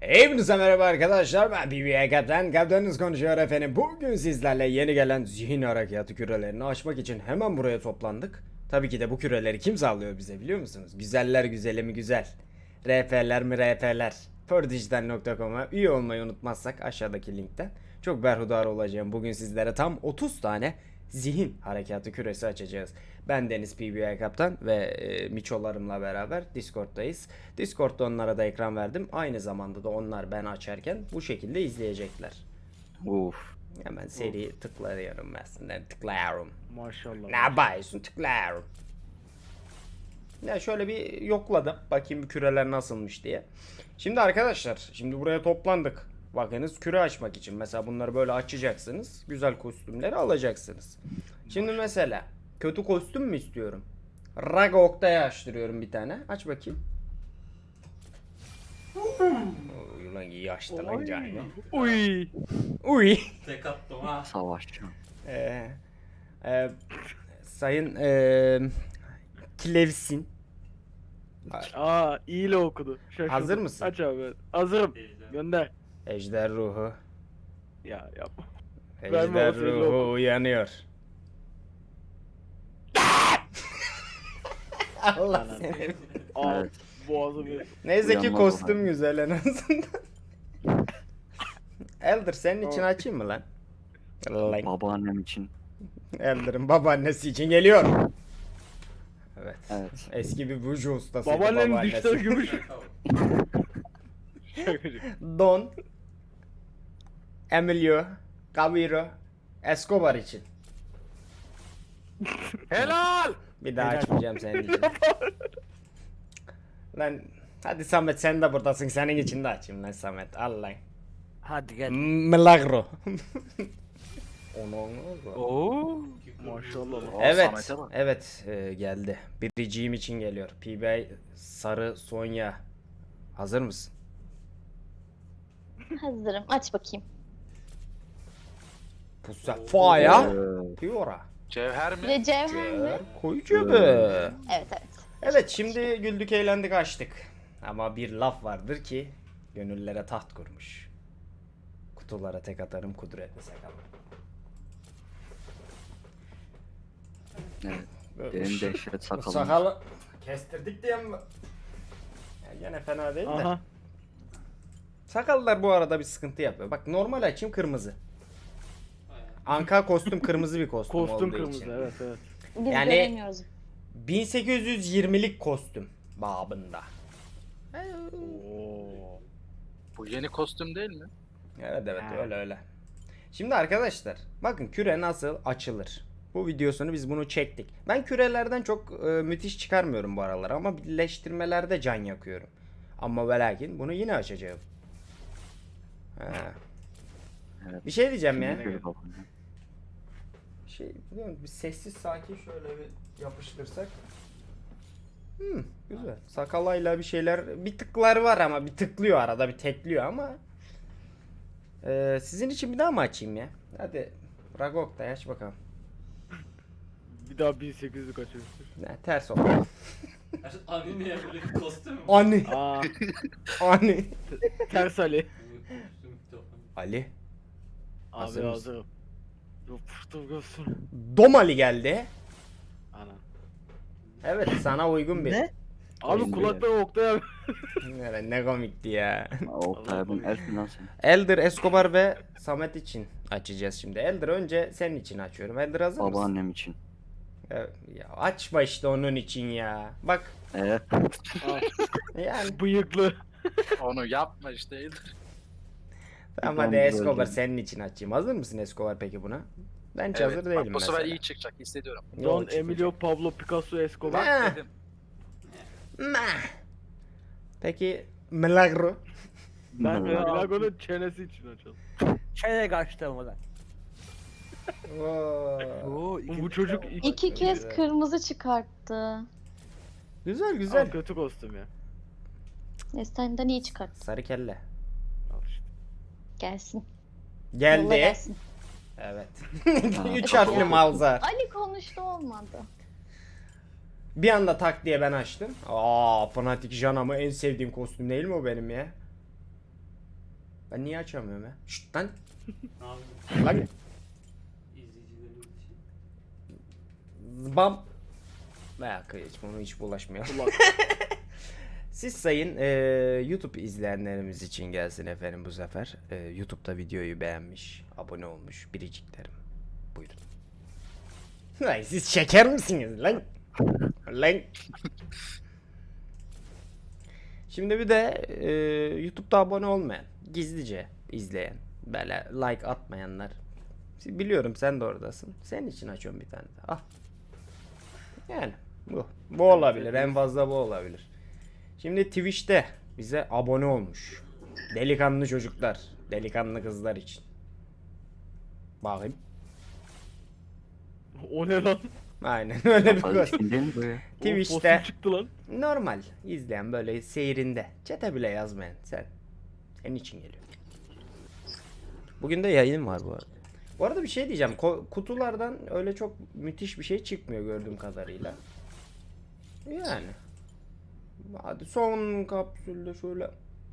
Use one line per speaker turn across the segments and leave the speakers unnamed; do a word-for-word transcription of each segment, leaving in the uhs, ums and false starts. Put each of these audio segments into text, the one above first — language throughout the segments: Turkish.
Hepinize merhaba arkadaşlar, ben B B A Kaptan, kaptanınız konuşuyor efendim. Bugün sizlerle yeni gelen zihin harekatı kürelerini açmak için hemen buraya toplandık. Tabii ki de bu küreleri kim sağlıyor bize biliyor musunuz? Güzeller güzeli mi güzel. R P'ler mi R P'ler. Pordijital nokta com'a üye olmayı unutmazsak aşağıdaki linkten çok berhudar olacağım. Bugün sizlere tam otuz tane zihin harekatı küresi açacağız. Ben Deniz P B A Kaptan ve e, miçolarımla beraber Discord'dayız. Discord'da onlara da ekran verdim. Aynı zamanda da onlar ben açarken bu şekilde izleyecekler.
Uf.
Hemen seri tıklıyorum aslında. Tıklıyorum.
Maşallah.
Ne yapıyorsun? Tıklıyorum. Ya şöyle bir yokladım. Bakayım bu küreler nasılmış diye. Şimdi arkadaşlar, şimdi buraya toplandık. Bakınız, küre açmak için. Mesela bunları böyle açacaksınız. Güzel kostümleri alacaksınız. Şimdi mesela kötü kostüm mü istiyorum? Raga Oktay'a açtırıyorum bir tane. Aç bakayım. Oy lan, iyi açtı lan canım.
Uy.
Uy.
Tek attım ha.
Savaşçı.
Ee, e, sayın e, Klevsin.
Aa iyiyle okudu. Şaşırdım.
Hazır mısın?
Aç abi. Hazırım.
Teyze.
Gönder.
Ejder ruhu.
Ya yapma.
Ejder
o sözü
ruhu
oku.
uyanıyor. Allah
Anam.
seni.
Aa
Evet.
boğazımı.
Neyse ki
Uyanmaz
kostüm
olan.
güzel en azından. Elder senin için
Aa.
açayım mı lan? Lan.
Babaannem için.
Elder'ın babaannesi için geliyor. Evet.
Evet.
Eski bir buju ustasıydı
Babaannenin
babaannesi.
dişleri gümüş. Şakacık.
Don, Emilio, Camilo, Escobar için.
Helal.
Bir daha
Helal.
açmayacağım senin için. Lan hadi Samet, sen de buradasın, senin için de açayım lan Samet. Al lan.
Hadi gel.
Milagro. Onu
Oo. Maşallah.
Aa,
Evet,
Samet'e bak.
evet e, geldi. Biriciğim için geliyor. P B I Sarı Sonya. Hazır mısın?
Hazırım. Aç bakayım.
Pusafaya.
Ee,
Piora.
Cevher
Bir de cevher mi?
Koyucu be.
Evet evet.
Evet, şimdi güldük eğlendik açtık. Ama bir laf vardır ki gönüllere taht kurmuş. Kutulara tek atarım kudretli sakalım.
evet.
Böyle
Benim
şu-
dehşet
bu
sakalım.
Sakalı kestirdik diye mi? Ya gene fena değil de.
Aha.
Sakallar bu arada bir sıkıntı yapıyor. Bak, normal açayım kırmızı. Anka kostüm kırmızı bir kostüm,
Kostüm
olduğu
kırmızı.
için.
Evet evet.
Biz
Yani-
göremiyoruz.
bin sekiz yüz yirmilik kostüm babında.
Oo.
Bu yeni kostüm değil mi?
Evet evet,
Ha.
öyle öyle. Şimdi arkadaşlar, bakın küre nasıl açılır. Bu videosunu biz bunu çektik. Ben kürelerden çok e, müthiş çıkarmıyorum bu aralar ama birleştirmelerde can yakıyorum. Ama ve lakin bunu yine açacağım. Ha.
Evet.
Bir şey diyeceğim ya.
Şimdi şöyle bakalım.
Şey, biliyor musun? Bir sessiz sakin şöyle bir yapıştırsak. Hmm, güzel. Sakalayla bir şeyler, bir tıklar var ama bir tıklıyor arada, bir tekliyor ama. Ee, sizin için bir daha mı açayım ya? Hadi Ragok da aç bakalım.
Bir daha bin sekiz yüz kaçırmıştır.
Ne, ters oldu.
Abi niye böyle bir kostüm mü?
Ani,
Aa.
ani.
Ters Ali.
Ali.
Abi
Hazır mısın?
hazırım. Yapıştır göster.
Domali geldi.
Ana.
Evet, sana uygun bir.
Ne? Abi
Oyun
kulakları Oktay abi.
Ne, ne komikti ya.
Aa, Oktay abim elf mi lan sen?
Elder, Escobar ve Samet için açacağız şimdi. Elder, önce senin için açıyorum. Elder, hazır mısın?
Babaannem için.
Ya, ya açma işte onun için ya. Bak
Evet.
Aa,
yani
bıyıklı.
Onu yapma işte Elder.
tamam,
Ben
hadi
böyle
Escobar
diyeyim.
senin için açayım. Hazır mısın Escobar peki buna? Ben hiç hazır
Evet,
değilim
bak, bu sefer
mesela.
iyi çıkacak hissediyorum.
Yok,
Don
çıkmayacak.
Emilio Pablo Picasso Escobar.
Ne?
Dedim.
Meh. Peki Milagro.
Ben de
Hı.
Dragon'un çenesi için açalım.
Çene kaçtı mı lan?
Oo.
Bu çocuk iki,
İki kez
güzel.
kırmızı çıkarttı.
Güzel
Aa,
güzel.
kötü kostüm ya.
Esten'den iyi çıkarttı.
Sarı kelle.
Al işte.
Gelsin. Yolla
Geldi.
gelsin.
Evet.
Ha.
Üç harfli malza.
Ali konuştu olmadı.
Bir anda tak diye ben açtım. Aa, Fanatic Jana'mı en sevdiğim kostüm değil mi o benim ya? Ben niye açamıyorum ya? Şşt lan.
Ne
Lan.
yapayım? İzleyicilerimiz için.
Zbam. Veya hiç bunu hiç bulaşmayalım.
Ulan.
Siz sayın e, YouTube izleyenlerimiz için gelsin efendim bu sefer. E, YouTube'da videoyu beğenmiş, abone olmuş biriciklerim. Buyurun. Lan siz şeker misiniz lan? Lan. Şimdi bir de e, YouTube'da abone olmayan, gizlice izleyen, böyle like atmayanlar. Biliyorum sen de oradasın. Senin için açıyorum bir tane de. Ah. Yani bu. Bu olabilir. En fazla bu olabilir. Şimdi Twitch'te bize abone olmuş. Delikanlı çocuklar. Delikanlı kızlar için. Bakayım.
O ne lan?
Aynen öyle bir
Kapalı
kız.
ismin değil mi bu ya?
O
Twitch'te
fosil çıktı lan.
normal izleyen böyle seyrinde. Çete bile yazmayan sen. Senin için geliyor. Bugün de yayın var bu arada. Bu arada bir şey diyeceğim. Ko- kutulardan öyle çok müthiş bir şey çıkmıyor gördüğüm kadarıyla. Yani. Hadi son kapsülde şöyle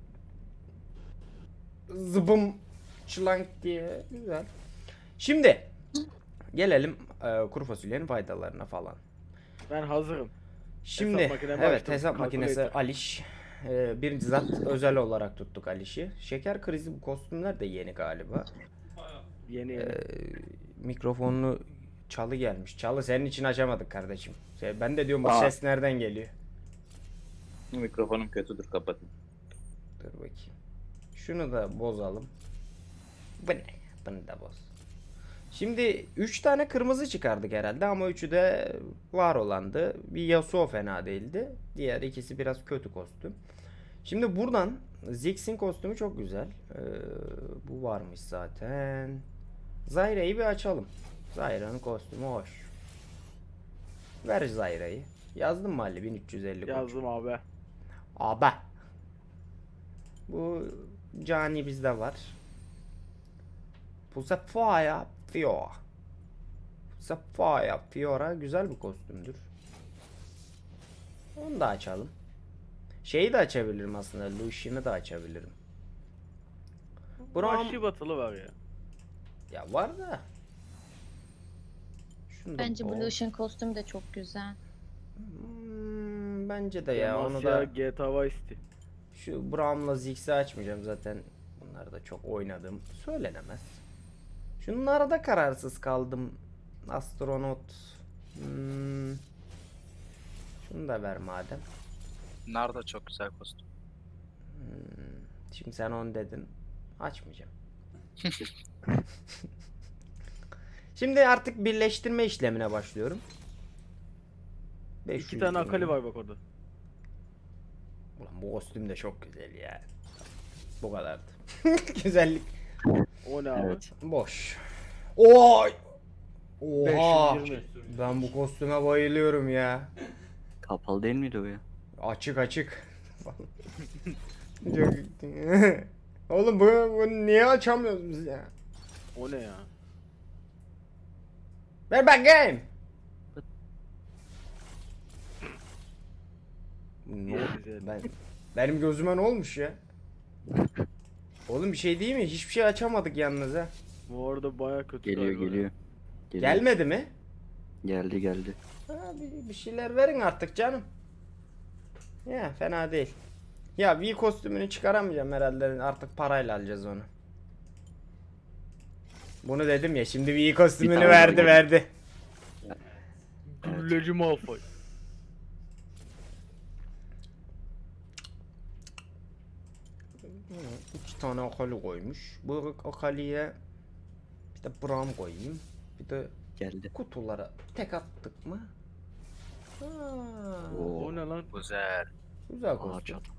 zıbım çılank diye güzel. Şimdi gelelim e, kuru fasulyenin faydalarına falan.
Ben hazırım.
Şimdi
Hesap makinemi
evet
açtım,
hesap makinesi
calculator.
Aliş. E, birinci zat özel olarak tuttuk Aliş'i. Şeker krizi bu kostümler de yeni galiba.
Yeni yeni.
Ee, mikrofonlu çalı gelmiş. Çalı senin için açamadık kardeşim. Şey, ben de diyorum bu
Aa.
ses nereden geliyor?
Mikrofonum kötüdür, kapatın.
Dur bakayım. Şunu da bozalım. Bu ne? Bunu da boz. Şimdi üç tane kırmızı çıkardık herhalde ama üçü de var olandı. Bir Yasuo fena değildi. Diğer ikisi biraz kötü kostüm. Şimdi buradan Ziggs'in kostümü çok güzel. Ee, bu varmış zaten. Zyra'yı bir açalım. Zyra'nın kostümü hoş. Ver Zyra'yı. Yazdın mı Ali bin üç yüz elli koç?
Yazdım abi.
Abi. Bu cani bizde var. Bu Sapphire Fiora. Sapphire Fiora güzel bir kostümdür. Onu da açalım. Şeyi de açabilirim aslında. Lucian'ı da açabilirim. Braum...
Vahşi batılı var ya.
Ya var da. Şunu da-
Bence
o-
Blue Ocean kostüm de çok güzel.
Hmm, bence de ya onu
Demasya,
da
G T A Vice City.
şu Braum'la Ziggs'i açmayacağım zaten. Bunları da çok oynadım. Söylenemez. Şunlara da kararsız kaldım. Astronot. Hmm. Şunu da ver madem.
Nar da çok güzel kostüm.
Hmm. Şimdi sen onu dedin. Açmayacağım. Şimdi artık birleştirme işlemine başlıyorum. beş
İki
yüz
tane
bin.
Akali var bak orada.
Ulan bu kostüm de çok güzel ya. Bu kadardı. Güzellik.
O ne abi?
Evet.
Boş. Oy! Oha!
beş yüz yirmi.
Ben bu kostüme bayılıyorum ya.
Kapalı değil miydi o ya?
Açık açık. Çok- Oğlum bu, bunu niye açamıyoruz biz ya?
O ne ya?
Ver bakayım. Ne oldu?
Güzel.
Ben, benim gözüme ne olmuş ya? Oğlum bir şey değil mi? Hiçbir şey açamadık yalnız ha.
Bu arada baya kötü
Geliyor
galiba ya.
geliyor. Geliyor.
Gelmedi mi?
Geldi geldi.
Ha, bir, bir şeyler verin artık canım. Ya fena değil. Ya V kostümünü çıkaramayacağım herhalde. Artık parayla alacağız onu. Bunu dedim ya. Şimdi V kostümünü
tane
verdi
daha
verdi.
Gülleci Malfoy.
İki tane akali koymuş. Bu akaliye bir de Braum koyayım. Bir de
Geldi.
kutulara tek attık mı? Ha,
Oo.
O ne lan?
Güzel.
güzel
Aa,
kostüm.
çat.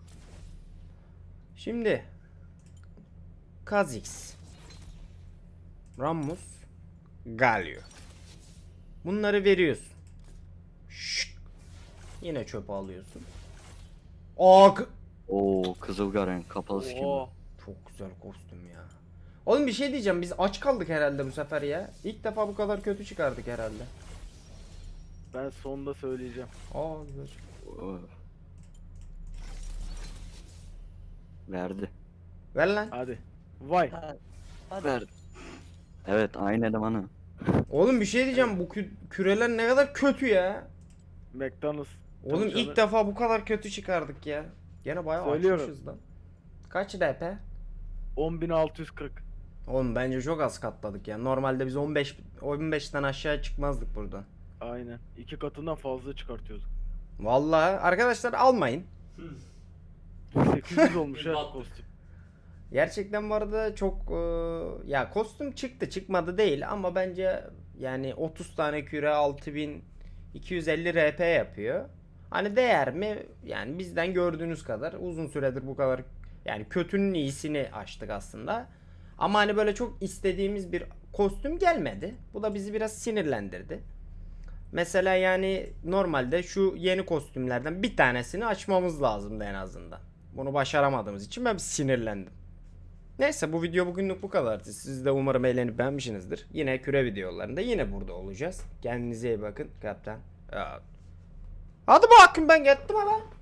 Şimdi Kha'Zix, Rammus, Galio. Bunları veriyorsun. Şşk. Yine çöpe alıyorsun. Aa, k-
Oo, Kızılgaren kapalı skin.
Oo.
çok güzel kostüm ya. Oğlum bir şey diyeceğim. Biz aç kaldık herhalde bu sefer ya. İlk defa bu kadar kötü çıkardık herhalde.
Ben sonunda söyleyeceğim.
Aa güzel.
Oo. Verdi.
Ver lan.
Hadi. Vay.
Ha, hadi.
Ver. Evet aynı elemanı.
Oğlum bir şey diyeceğim, bu kü- küreler ne kadar kötü ya.
McDonald's.
Oğlum
Çalışanı-
ilk defa bu kadar kötü çıkardık ya. Gene bayağı
Söylüyorum.
açmışız lan. Kaç R P?
on bin altı yüz kırk.
Oğlum bence çok az katladık ya. Normalde biz on beş on beşten aşağı çıkmazdık buradan.
Aynen. İki katından fazla çıkartıyorduk.
Vallahi arkadaşlar almayın.
sekiz yüz olmuş ha
Battık.
kostüm.
Gerçekten bu arada çok e, ya kostüm çıktı çıkmadı değil ama bence yani otuz tane küre altı bin iki yüz elli R P yapıyor. Hani değer mi? Yani bizden gördüğünüz kadar uzun süredir bu kadar yani kötünün iyisini açtık aslında. Ama hani böyle çok istediğimiz bir kostüm gelmedi. Bu da bizi biraz sinirlendirdi. Mesela yani normalde şu yeni kostümlerden bir tanesini açmamız lazımdı en azından. Bunu başaramadığımız için ben sinirlendim. Neyse bu video bugünlük bu kadardı. Siz de umarım eğlenip beğenmişsinizdir. Yine küre videolarında yine burada olacağız. Kendinize iyi bakın. Kaptan. Hadi bakın ben gittim ama.